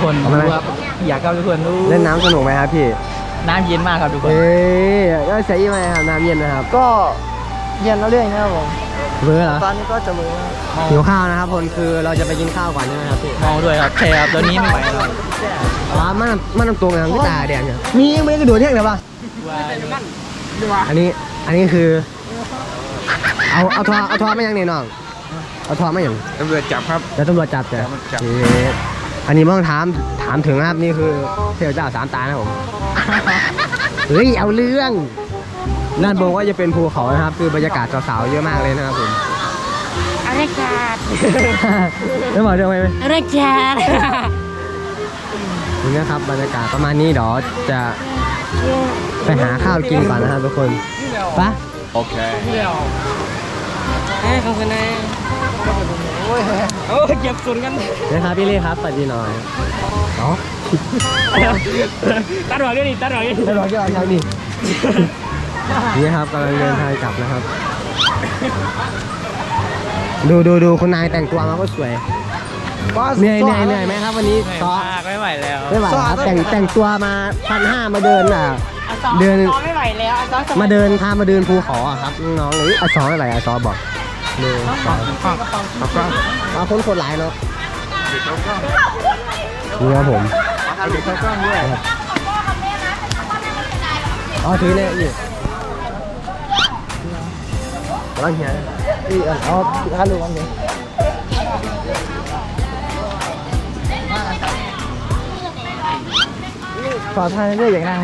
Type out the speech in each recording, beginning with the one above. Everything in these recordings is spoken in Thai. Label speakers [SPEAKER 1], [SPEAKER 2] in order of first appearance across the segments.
[SPEAKER 1] คนดูครับอยากเข้าทุกคนดู
[SPEAKER 2] เล่นน้ำสนุกไหมครับพี่
[SPEAKER 1] น้ำเย็นมากครับทุกคน
[SPEAKER 2] ก็ใช้ยังไงครับน้ำเย็นนะครับ
[SPEAKER 3] ก็เย็นแล้วเรื่อยนะครับผม
[SPEAKER 2] เบื่อเหรอ
[SPEAKER 3] ตอนนี้ก็จะเบื่อ
[SPEAKER 2] หิวข้าวนะครับคนคือเราจะไปกินข้าวก่อนใช่ไหมครับพี่
[SPEAKER 1] เมาด้วยครับใช่ครับตอนนี้ไม่ไหวแล้ว
[SPEAKER 2] มันน้ำตัวมันที่ตาแดงเนี่ยมีไม่ได้กระโดดเที่ยงหรือเปล่าอันนี้คือเอาทอไม่ยังเนี่ยน้องเอาทอไม่ยัง
[SPEAKER 4] ตำรวจจับครับ
[SPEAKER 2] แล้วตำรวจจับจ้ะอันนี้ต้องถามถึงนะครับนี่คือเทพเจ้าสามตานะผมเฮ้ยเอาเรื่องด้านบนก็จะเป็นภูเขานะครับคือบรรยากาศสาวๆเยอะมากเลยนะครับผม
[SPEAKER 5] อะไรกัน
[SPEAKER 2] ไม่บอกเรื่องไหม
[SPEAKER 5] อะไรกัน
[SPEAKER 2] นี่นะครับบรรยากาศประมาณนี้เดี๋ยวจะไปหาข้าวกินก่อนนะครับทุกคนปะ
[SPEAKER 4] โอเค
[SPEAKER 5] ขอบคุณนะโอ้เก็บส่วนกัน
[SPEAKER 2] นะครับพี่เล่ครับสวัสดีหน่อยเนาะ
[SPEAKER 5] ตัดหัวกันดิตัดหัวกัน
[SPEAKER 2] ตัดหัวกันครับนี่นี่ครับกำลังเดินทางกลับนะครับดูคุณนายแต่งตัวมาก็สวยเหนื่อยไหมครับวันนี้ซ้อ
[SPEAKER 1] ไม่ไหวแล้ว
[SPEAKER 2] ไม่ไหวครับแต่งตัวมา1,500มาเดินเดิน
[SPEAKER 5] ไม่ไหวแล้ว
[SPEAKER 2] มาเดินพามาเดินภูเขาครับน้องหรือซ้อไม่ไหวซ้อบอกดูเอาคนหลายเนาะนี่ครับผมอ๋อถือเนี่ยอยู่ร้านเฮียนี่เอาข้าดูกันเลย
[SPEAKER 3] ขอทานเรื่อยอย่างนั้น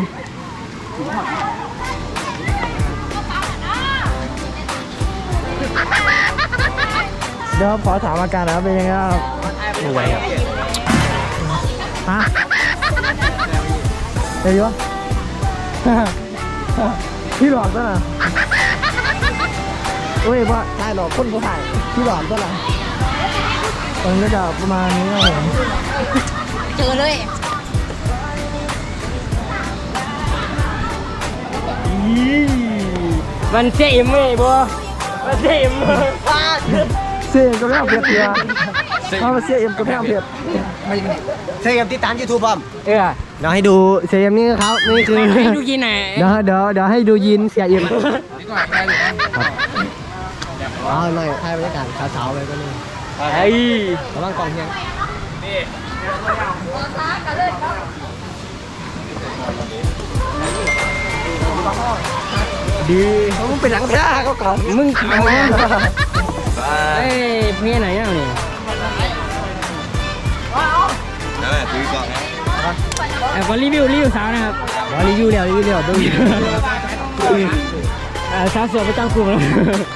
[SPEAKER 3] เดี๋ยวขอถามอาการนะครับเป็นยังไงครับ
[SPEAKER 1] ป่วยครับ
[SPEAKER 3] ฮะเดี๋ยวพี่หลอกตัวน่ะเฮ้ยว่าถ่ายหลอกคนผู้ถ่ายพี่หลอกตัวน่ะตอนนี้จะประมาณนี้ครับผม
[SPEAKER 5] เจอเลยมันเสียอิ่มไหมบัวมันเสียอิ่ม
[SPEAKER 3] เสียก็ไม่เอาเพียรเพียมาเสียเอ็มก็ไม่เอาเพียร
[SPEAKER 2] เซมติดตาม YouTube ผมเดี๋ยวให้ดูเซมนี่ครับนี่คือ
[SPEAKER 5] ให้ดูยินไหน
[SPEAKER 2] เดี๋ยวให้ดูยินเสียเอ็มเอาหน่อยให้บรรยากาศสาวๆเลยก็นี่ระวังกองเพียง
[SPEAKER 3] ดีมึงเป็นหลังท้าเขาก่อน
[SPEAKER 2] มึงทำไง
[SPEAKER 5] เพี่ไหนอ่ะนี่
[SPEAKER 4] นั่นแหละซื้อก่อนนะ
[SPEAKER 5] ก็รีวิวสาวนะครับ
[SPEAKER 2] รีวิวเร็วดู
[SPEAKER 5] สาวสวยไปตั้งกลุ่มแล้ว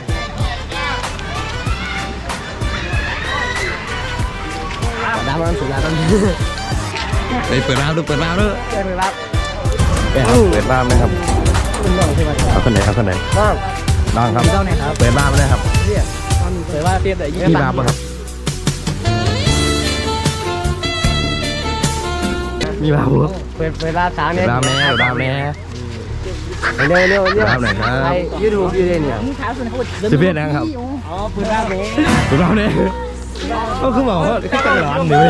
[SPEAKER 2] ดาวมันสุดแล้ว
[SPEAKER 4] เปิดร้านดูเปิดร้านด้วย
[SPEAKER 2] เปิดรับ
[SPEAKER 4] เปิดร้านไหมครับเอาคนไหนน้องครับเปิดร้านเลยครับ
[SPEAKER 1] เปิดว่าเทียบแต่ยี่
[SPEAKER 4] สิบครับมีบาบุ
[SPEAKER 2] เปิดร้านสาวเนี่ย
[SPEAKER 4] ร้านแม่
[SPEAKER 2] เร็ว
[SPEAKER 4] ร้านหน่อยครับ
[SPEAKER 2] ยูทูบอยู่เลยเนี่ย
[SPEAKER 4] 11นะครับ
[SPEAKER 2] อ๋อเปิดร้านนี้
[SPEAKER 4] ก็คือบอกว่าแค่ร้านนี่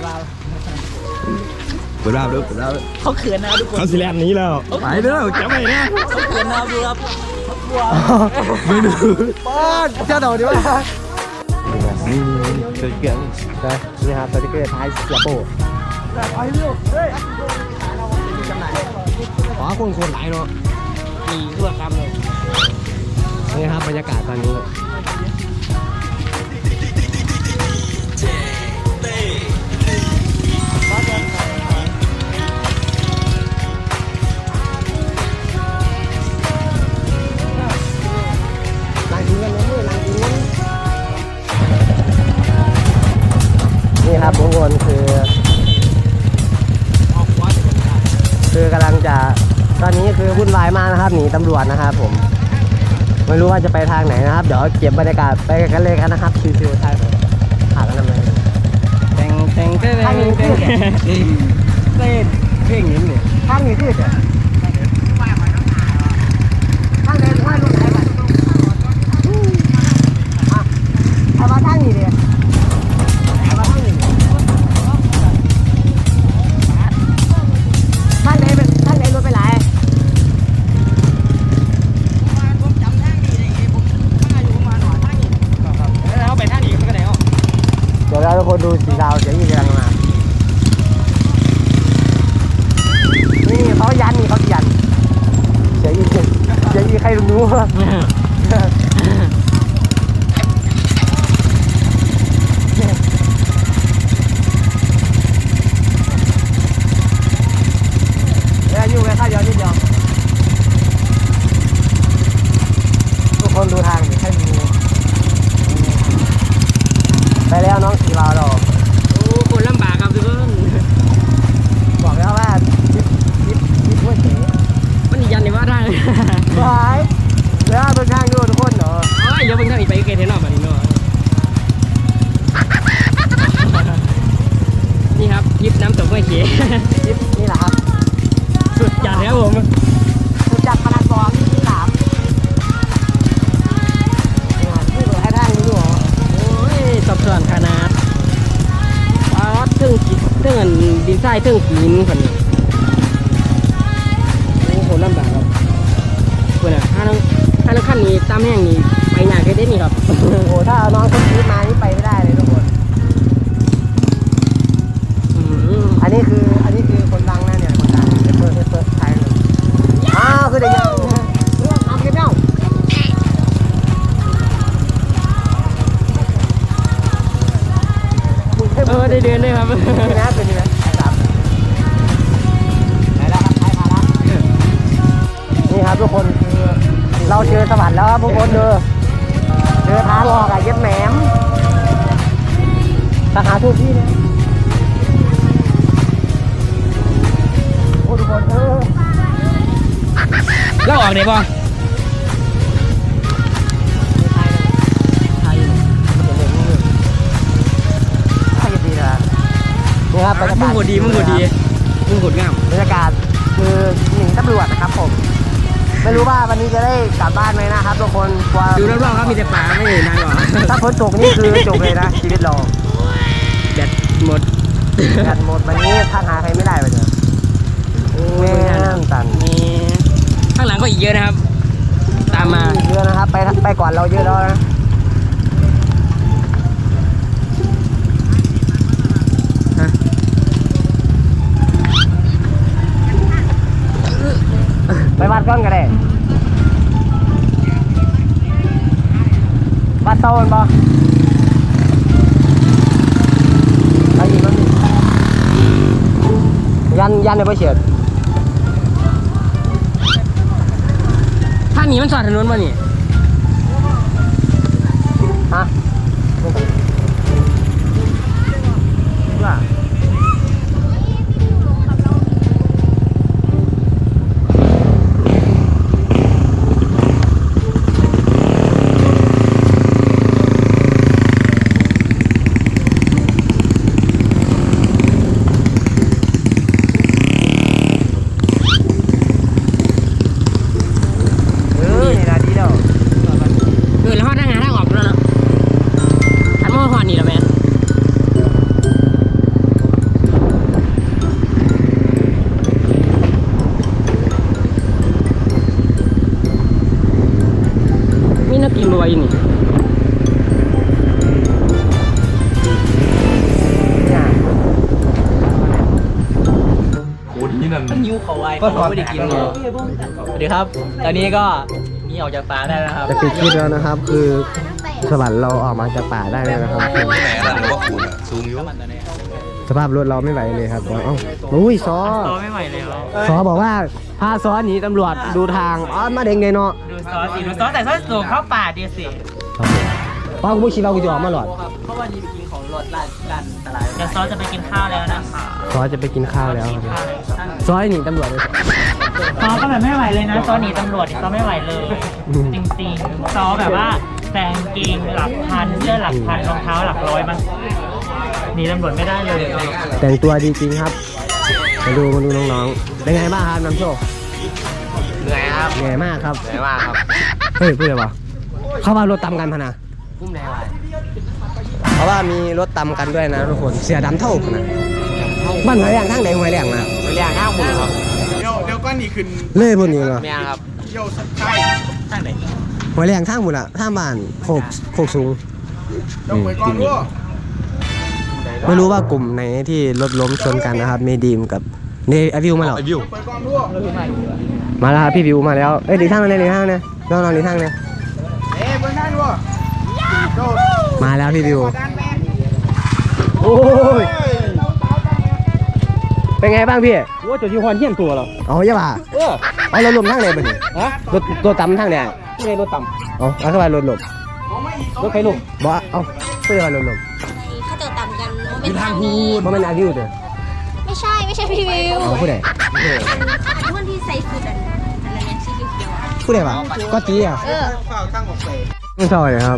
[SPEAKER 4] เปิดร้านดู
[SPEAKER 1] เขาเขินนะทุกคน
[SPEAKER 4] เขาสิแลนนี้แล้วไปเด้อจะไปนะ
[SPEAKER 1] เขาเขินนะดูครับ
[SPEAKER 4] ไม่ดู
[SPEAKER 2] ป้อนเจ้าเดาดีว่า
[SPEAKER 4] นี่สติ๊กเกอร์
[SPEAKER 2] นี่ครับสติ๊กเกอร์ท้ายเสียโป้ขอคนหลายเนาะ
[SPEAKER 1] มีทั่วคำเลย
[SPEAKER 2] นี่ครับบรรยากาศตอนนี้นี่ครับทุกคนคือกำลังจะตอนนี้คือวุ่นวายมากนะครับหนีตำรวจนะครับผมไม่รู้ว่าจะไปทางไหนนะครับเดี๋ยวเก็บบรรยากาศไปกันเลยกันนะครับชิวๆทางหากันทำไม
[SPEAKER 5] แต่ง
[SPEAKER 2] ทางนี้ที่เพลงนี้เนี่ยทางนี้ที่ทางไหนทางไหนกันเอามาทางนี้เลยเอามาทางนี้
[SPEAKER 1] ไม่เขีย
[SPEAKER 2] นี่แหละครับ
[SPEAKER 1] สุดจัดครับผม
[SPEAKER 2] สุดจัดพนันบอลที่3นี่เหลือให้ทางนี้อยู่
[SPEAKER 1] โอ้ยสับสนขนาดป๊าดเทิงกิเทิงดินทรายเทิงหินคนนี้โอ้โหลำบากครับเพื่อนอะถ้าเราขั้นนี้ตามแห้งนี้ไปยากแค่ได้นี่ครับ
[SPEAKER 2] โอ้โหถ้าเอาน้องคนชีวิตมานี่ไปไม่ได้เลยทุกคน อันนี้คือคนดังนะเนี่ยคนดังเปิดไทยเลยอ้าวคือเด็กยังเอาเก็บเน่า
[SPEAKER 1] ได้เดือนด้วยครับ
[SPEAKER 2] นี่นะตัวนี้นะครับไปแล้วครับไปมาแล้วนี่ครับทุกคนคือเราเจอสวรรค์แล้วครับทุกคนเจอทางออกอะเย็บแหนมสาขาทุกที่เลยโอ้ทุกคน
[SPEAKER 1] เล่าออกได้ป่ะ
[SPEAKER 2] นี่ครับบรรยากาศ
[SPEAKER 1] มึงกดดีมึงกดงาม
[SPEAKER 2] บรรยากาศคือหนีตำรวจนะครับผมไม่รู้ว่าวันนี้จะได้กลับบ้านไหมนะครับทุกคนกลัว
[SPEAKER 1] ดูรอบๆครับมีแต่ป่าไม่เห็นทางหรอก
[SPEAKER 2] ถ้าฝนตกนี่คือจบเลยนะชีวิตเรา
[SPEAKER 1] แบตหมด
[SPEAKER 2] กันหมดวันนี้ทางหาใครไม่ได้ไปเลยแม่งตัน
[SPEAKER 1] นี่ข้างหลังก็อีกเยอะนะครับ ตามมา
[SPEAKER 2] เยอะนะครับไปก่อนเราเยอะแล้วนะไปวัดก้อนกันเลยวัดโตนบ่ไปยิงมันยันเลยไปเฉียด
[SPEAKER 1] ทางนี้มันสอดถนนป่ะนี่
[SPEAKER 2] ฮะว่า
[SPEAKER 1] แล้วเขาทางหาทางออกแล้วเนาะทางมอหอดนี่แล้วแม่มีนักกินบัวอยู่นี่
[SPEAKER 4] โอ้ที่นั่น
[SPEAKER 1] มันยูเขาไว้ก็ไม่ได้กินเลยสวัสดีครับ ตอนนี้ก็มีออกจากป่าได้แล้วครับ
[SPEAKER 2] จะปิดคลิปแล้วนะครับ คือสวรรค์เราออกมาจากป่าได้แล้วนะครับ
[SPEAKER 4] ไหนอะไรหรือว่าคุณอะซูมอยู่
[SPEAKER 2] สภาพรถเราไม่ไหวเลยครับเอ้าอุ้ยซอ
[SPEAKER 1] ต่อไม่ไหวแล้ว
[SPEAKER 2] ซอบอกว่าพาซอหนีตำรวจดูทางอ๋อมาเด้งเลยเนาะ
[SPEAKER 1] ดูซอสสิดูซอสแต่ซอสสูงเข้าป่าดีสิ
[SPEAKER 2] ป้ากูไม่คิดว่ากูจะออกมาหรอด
[SPEAKER 1] เพราะว่านี่ไปกินของรถร้านตลาดเดี๋ยวซอสจะไปกินข้าวแล้วนะคะ
[SPEAKER 2] ซอจะไปกินข้าวแล้วซอหนีตำรวจเลย
[SPEAKER 1] ซอก็แบบไม่ไหวเลยนะซอหนีตำรวจซอไม่ไหวเลย จริงๆซอแบบว่าแซงเกงหลักพันเสื้อหลักพันรองเท้าหลักร้อยมันหนีตำรวจไม่ได้เลย
[SPEAKER 2] แต่งตัวดีจริงครับมาดูน้องๆเป็นไงบ้างครับน้ำโชค
[SPEAKER 5] เหนื่อยครับ
[SPEAKER 2] เหนื่อยมากครับ
[SPEAKER 5] เหนื่อยมากครับ
[SPEAKER 2] เฮ้ยพูดเลยปะเขาว่ารถตำกันพะนะ
[SPEAKER 5] กุ้มแดงอะไร
[SPEAKER 2] เพราะว่ามีรถตำกันด้วยนะทุกคนเสียดำเท่ากันนะบ้านหอยแรงทางไหนหอยแรงนะ
[SPEAKER 5] ไปเรียงข้าวหมูครับ
[SPEAKER 3] เดี๋ยวก็นี่ขึ้น
[SPEAKER 2] เล่พวกนี้เหรอ
[SPEAKER 5] เมียครับ
[SPEAKER 3] เที่ยวสักใช่
[SPEAKER 1] ทางไหน
[SPEAKER 2] หอยแรงทางหมดอะทางบ้านโคกสูง
[SPEAKER 3] เดี๋ยวไปก่อนด้วย
[SPEAKER 2] ไม่รู้ว่ากลุ่มไหนที่รถล้มชนกันนะครับมีดีมกับเนไอวิวมาแล้ว
[SPEAKER 4] ไอวิว
[SPEAKER 3] ไปก่อนด้วย
[SPEAKER 2] มาแล้วครับพี่วิวมาแล้วเอ้ยหลีกทางเลยหลีกทางเลยน้องหลีกทางเลย
[SPEAKER 3] ไปได้ด้วยโดด
[SPEAKER 2] มาแล้วพี่วิว
[SPEAKER 3] ด้านแม่
[SPEAKER 2] โอ้ยเป็นไงบ้างพี่
[SPEAKER 1] ว่าจะที่ฮอนเฮี้ยนตัวเรา
[SPEAKER 2] เอาอย่าบ่าเอารถล้มทางไหนบ่นี่
[SPEAKER 1] ฮะ
[SPEAKER 2] รถตำทางไหน
[SPEAKER 1] ไม่ได้รถต่
[SPEAKER 2] เอาเข้าไปรถล้ม
[SPEAKER 1] ำรถใครลุก
[SPEAKER 2] บ่เอาเพื่อรถล้ม
[SPEAKER 6] เขาจะต่ำกันเป็นทางนี้
[SPEAKER 2] เพราะมันอาวิวเด้อ
[SPEAKER 6] ไม่ใช่พี่วิว
[SPEAKER 2] เอาผู้ใด
[SPEAKER 6] อันที่ใส่สุดอันอะไรเนี่ยสีเขียวๆ
[SPEAKER 2] ผู้ใดวะก็ตีอ่ะ
[SPEAKER 6] เออ
[SPEAKER 3] เฝ้าตั้งออกไป
[SPEAKER 2] ไม่ซอยครับ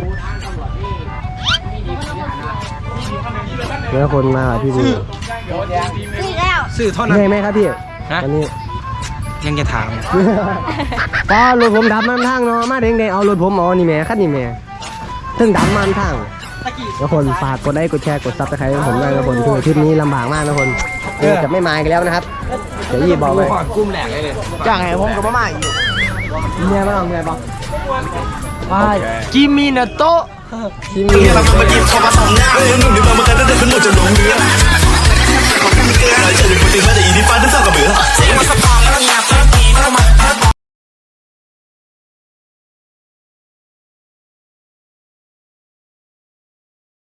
[SPEAKER 2] เจอคนมาพี่วิว
[SPEAKER 6] คือได้
[SPEAKER 5] สื่อเท่า
[SPEAKER 2] เห
[SPEAKER 5] นั้น
[SPEAKER 2] นื่อยไหมครับพี่
[SPEAKER 5] ฮะ
[SPEAKER 2] วันนี้
[SPEAKER 5] ยังจะถาม
[SPEAKER 2] ก็รถผมดับมันทางเนาะมาเด้งเอารถผมเอานี่แม่คันนี่แม่ถึงดับมันทางทุกคนฝากกดไลค์กดแชร์กดซับสไครต์ให้ผมด้วยทุกคนคือทริปนี้ลำบากมากทุกคนจะไม่มาอีกแล้วนะครับเดี๋ยวยี่บอกเลย
[SPEAKER 5] กุ้มแหลกเลย
[SPEAKER 3] จ้างไงผมกับมาอีก
[SPEAKER 2] เมียบ้างเมียบ้างไป
[SPEAKER 3] กิมินาโตะ
[SPEAKER 2] ชิมมี
[SPEAKER 7] เรามาหยิบเข้ามาสองหน้านุ่มๆมากันตั้งแต่ขึ้นหมดจะลงเรือ